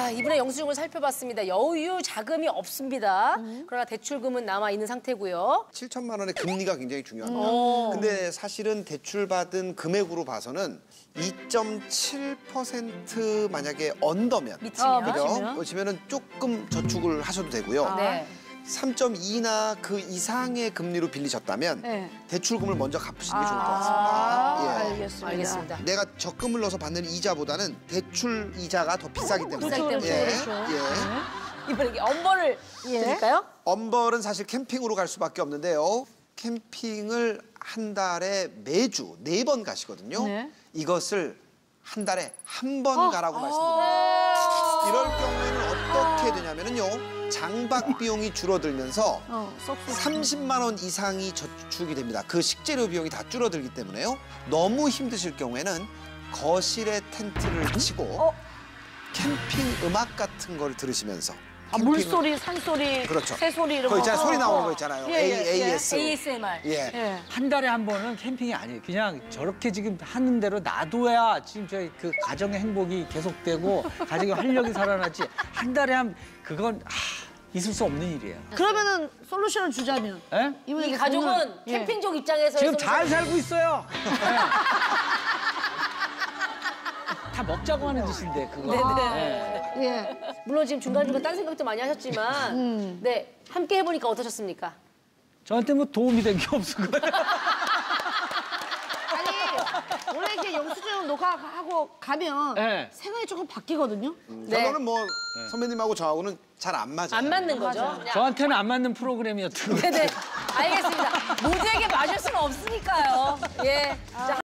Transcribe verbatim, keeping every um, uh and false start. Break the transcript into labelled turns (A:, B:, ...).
A: 자, 이번에 영수증을 살펴봤습니다. 여유 자금이 없습니다.
B: 음.
A: 그러나 대출금은 남아 있는 상태고요.
B: 칠천만 원의 금리가 굉장히 중요합니다.
A: 음.
B: 근데 사실은 대출받은 금액으로 봐서는 이 점 칠 퍼센트 만약에 언더면
A: 미치면.
B: 그죠?
C: 미치면?
B: 그러시면은 조금 저축을 하셔도 되고요.
A: 네.
B: 삼 점 이나 그 이상의 금리로 빌리셨다면
C: 네.
B: 대출금을 먼저 갚으시는 게 좋을 것
C: 아,
B: 같습니다. 예.
C: 알겠습니다.
A: 알겠습니다.
B: 내가 적금을 넣어서 받는 이자보다는 대출 이자가 더 비싸기 때문에.
A: 비싸기 때문에.
B: 예.
C: 그렇죠.
B: 예.
A: 이번에 이게 엄벌을
C: 예.
A: 드릴까요?
B: 엄벌은 사실 캠핑으로 갈 수밖에 없는데요. 캠핑을 한 달에 매주 네 번 가시거든요.
C: 네.
B: 이것을 한 달에 한 번
C: 어.
B: 가라고 말씀드립니다. 이럴 경우에는 어떻게 되냐면요. 장박 비용이 줄어들면서
C: 어, 쏙쏙.
B: 삼십만 원 이상이 저축이 됩니다. 그 식재료 비용이 다 줄어들기 때문에요. 너무 힘드실 경우에는 거실에 텐트를 치고
C: 어?
B: 캠핑 음악 같은 걸 들으시면서
C: 아,
B: 캠핑을-
C: 물소리, 산소리,
B: 그렇죠.
C: 새소리 이런 거.
B: 그거 있잖아요. 소리 나오는
C: 어.
B: 거 있잖아요.
C: 예, 예, 예.
B: 에이에스.
A: 에이에스엠알.
B: 예.
C: 예.
D: 한 달에 한 번은 캠핑이 아니에요. 그냥 저렇게 지금 하는 대로 놔둬야 지금 저희 그 가정의 행복이 계속되고 가정의 활력이 살아나지. 한 달에 한 그건 아, 있을 수 없는 일이에요.
C: 그러면은 솔루션을 주자면.
D: 예?
C: 이번에
A: 이
C: 그
A: 가족은
C: 돈을- 예.
A: 캠핑족 입장에서
D: 지금
A: 해서
D: 잘 살고 있어요. 예. 다 먹자고 하는 짓인데 그거.
A: 네네.
D: 예.
C: 예.
A: 물론 지금 중간중간 딴 생각도 많이 하셨지만
C: 음.
A: 네 함께 해보니까 어떠셨습니까?
D: 저한테 뭐 도움이 된 게 없을 거예요.
C: 아니, 원래 이렇게 영수증 녹화하고 가면
D: 네.
C: 생각이 조금 바뀌거든요.
A: 네.
B: 결론은 뭐 선배님하고 저하고는 잘 안 맞아요.
A: 안 맞는 거죠? 그냥
D: 저한테는 안 맞는 프로그램이었던 거예요.
A: 네네. 알겠습니다. 모두에게 맞을 수는 없으니까요. 예. 자,